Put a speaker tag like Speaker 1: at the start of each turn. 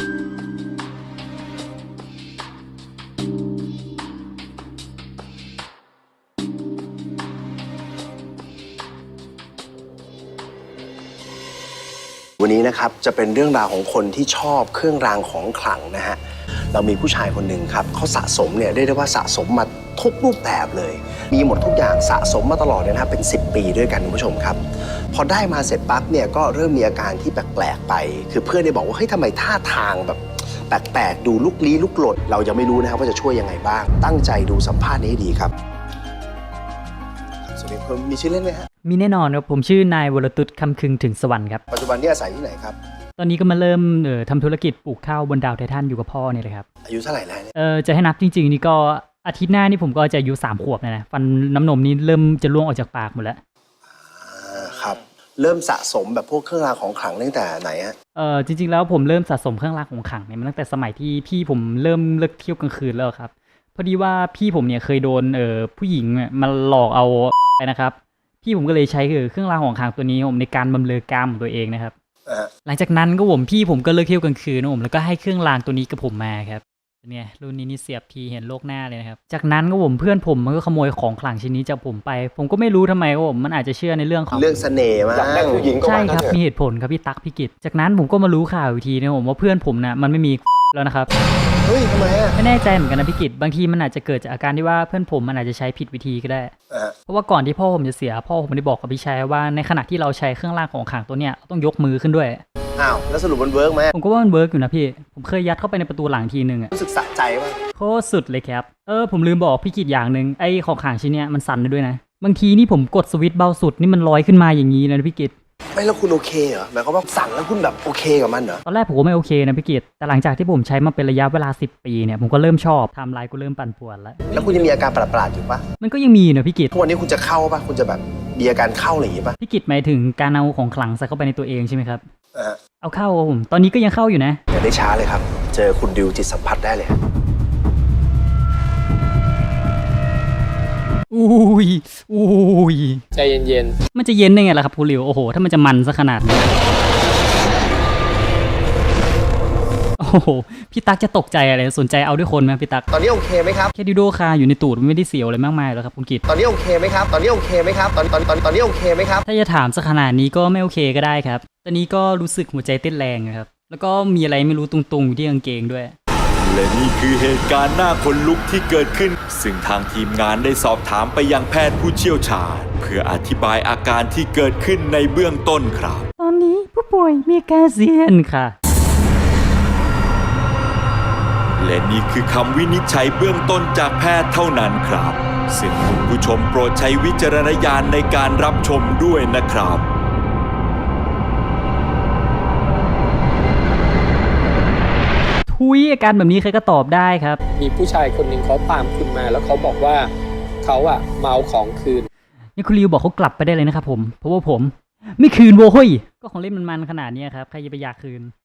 Speaker 1: วันนี้นะครับจะเป็นเรื่องราวของคนที่ชอบเครื่องรางของขลังนะฮะเรามีผู้ชายคนหนึ่งครับเขาสะสมเนี่ยเรียกได้ว่าสะสมมาทุกรูปแบบเลยมีหมดทุกอย่างสะสมมาตลอดเลยนะเป็น10 ปีด้วยกันคุณผู้ชมครับพอได้มาเสร็จปั๊บเนี่ยก็เริ่มมีอาการที่แปลกๆไปคือเพื่อนได้บอกว่าเฮ้ยทำไมท่าทางแบบแปลกๆดูลุกลี้ลุกลนเรายังไม่รู้นะครับว่าจะช่วยยังไงบ้างตั้งใจดูสัมภาษณ์นี้ให้ดีครับสวัสดีครับมีชื่อเล่นไหมฮะ
Speaker 2: มีแน่นอนครับผมชื่อนายวรตุษคำคึงถึงสวรรค์ครับ
Speaker 1: ปัจจุบันนี้อาศัยที่ไหนครับ
Speaker 2: ตอนนี้ก็มาเริ่มทำธุรกิจปลูกข้าวบนดาวไททันอยู่กับพ่อเนี่ยเลยครับ
Speaker 1: อายุเท่าไหร่แล้วเนี่ย
Speaker 2: จะให้นับจริงๆนี่ก็อาทิตย์หน้านี่ผมก็จะอายุ3 ขวบนะฟันน้ำนมนี่เริ่มจะร่วงออกจากปากหมดแล้ว
Speaker 1: ครับเริ่มสะสมแบบพวกเครื่องรางของขลังตั้งแต่ไหนฮะ
Speaker 2: จริงๆแล้วผมเริ่มสะสมเครื่องรางของขลังเนี่ยมาตั้งแต่สมัยที่พี่ผมเริ่มเลิกเที่ยวกลางคืนแล้วครับพอดีว่าพี่ผมเนี่ยเคยโดนผู้หญิงมาหลอกเอาไปนะครับพี่ผมก็เลยใช้เครื่องรางของขลังตัวนี้ผมในการบำเรอกามของตัวเองนะครับหลังจากนั้นก็พี่ผมก็เลิกเที่ยวกลางคืนนะผมแล้วก็ให้เครื่องรางตัวนี้กับผมมาครับเนี่ยรุ่นนี้นี่เสียบทีเห็นโลกหน้าเลยนะครับจากนั้นก็เพื่อนผมมันก็ขโมยของขลังชิ้นนี้จากผมไปผมก็ไม่รู้ทำไมมันอาจจะเชื่อในเรื่องของ
Speaker 1: เรื่องเสน่ห์มั้งอยากได้ผู้หญิงก็
Speaker 2: ใช่ครับมีเหตุผลครับพี่ตั๊กพี่กิจจากนั้นผมก็มารู้ข่าวอีกทีนะว่าเพื่อนผมนะมันไม่มีแล้วนะครับ
Speaker 1: เฮ้ยทำไมอ่ะ
Speaker 2: ไม่แน่ใจเหมือนกันนะพี่กิจบางทีมันอาจจะเกิดจากอาการที่ว่าเพื่อนผมมันอาจจะใช้ผิดวิธีก็ได้เพราะว่าก่อนที่พ่อผมจะเสียพ่อผมได้บอกกับพี่ชายว่าในขณะที่เราใช้เครื่องรางของขลังตัวเนี้ยต้องยกมือขึ้นด้วย
Speaker 1: อ้าวแล้วสรุปมันเวิร์กไหม
Speaker 2: ผมก็ว่ามันเวิร์กอยู่นะพี่ผมเคยยัดเข้าไปในประตูหลังทีนึง
Speaker 1: รู้สึกสะใจป่ะ
Speaker 2: โคตรสุดเลยครับผมลืมบอกพี่กิจอย่างนึงไอ้ของขลังชิ้นเนี้ยมันสั่นได้ด้วยนะบางทีนี่ผมกดสวิตช์เบาสุดนี่มันลอยขึ้นมาอย่างนี้นะพี่กิจ
Speaker 1: ไม่แล้วคุณโอเคเหรอหมายความว่าสั่งแล้วคุณแบบโอเคกับมันเหรอ
Speaker 2: ตอนแรกผมก็ไม่โอเคนะพี่กิตแต่หลังจากที่ผมใช้มาเป็นระยะเวลา10 ปีเนี่ยผมก็เริ่มชอบไทม์ไลน์ก็เริ่มปั่นป่วนแล้ว
Speaker 1: คุณยังมีอาการประหลาดอยู่ปะ
Speaker 2: มันก็ยังมีนะพี่กิต
Speaker 1: ทุกวันนี้คุณจะเข้าปะคุณจะแบบมีอาการเข้าอะไรอย่างงี้ปะ
Speaker 2: พี่กิตหมายถึงการเอาของขลังใส่เข้าไปในตัวเองใช่ไหมครับเอาเข้าผมตอนนี้ก็ยังเข้าอยู่นะ
Speaker 1: อย่าได้ช้าเลยครับเจอคุณดิวจิตสัมผัสได้เลย
Speaker 2: อุ้ย
Speaker 3: ใจเย็น
Speaker 2: ๆมันจะเย็นได้ไงล่ะครับคุณหลิวโอ้โหถ้ามันจะมันซะขนาดนี้โอ้โหพี่ตั๊กจะตกใจอะไรสนใจเอาด้วยคนไหมพี่ตั๊ก
Speaker 1: ตอนนี้โอเคไหมครับ
Speaker 2: แค่ดิโดคาอยู่ในตูดไม่ได้เสียวอะไรมากมายแล้วครับคุณกิต
Speaker 1: ตอนนี้โอเคไหมครับตอนนี้โอเคไหมครับตอนนี้โอเคไหมครับ
Speaker 2: ถ้าจะถามซะขนาดนี้ก็ไม่โอเคก็ได้ครับตอนนี้ก็รู้สึกหัวใจเต้นแรงนะครับแล้วก็มีอะไรไม่รู้ตุงๆอยู่ที่กางเกงด้วย
Speaker 4: และนี่คือเหตุการณ์น่าขนลุกที่เกิดขึ้นซึ่งทางทีมงานได้สอบถามไปยังแพทย์ผู้เชี่ยวชาญเพื่ออธิบายอาการที่เกิดขึ้นในเบื้องต้นครับ
Speaker 2: ตอนนี้ผู้ป่วยมีอาการเซียนค่ะ
Speaker 4: และนี่คือคำวินิจฉัยเบื้องต้นจากแพทย์เท่านั้นครับซึ่งคุณผู้ชมโปรดใช้วิจารณญาณในการรับชมด้วยนะครับ
Speaker 2: อาการแบบนี้ใครก็ตอบได้ครับ
Speaker 3: มีผู้ชายคนหนึ่งเขาตามคุณมาแล้วเขาบอกว่าเขาเมาของคืน
Speaker 2: นี่คุณริวบอกเขากลับไปได้เลยนะครับผมเพราะว่าผมไม่คืนโว้ยก็ของเล่นมันขนาดนี้ครับใครจะไปอยากคืน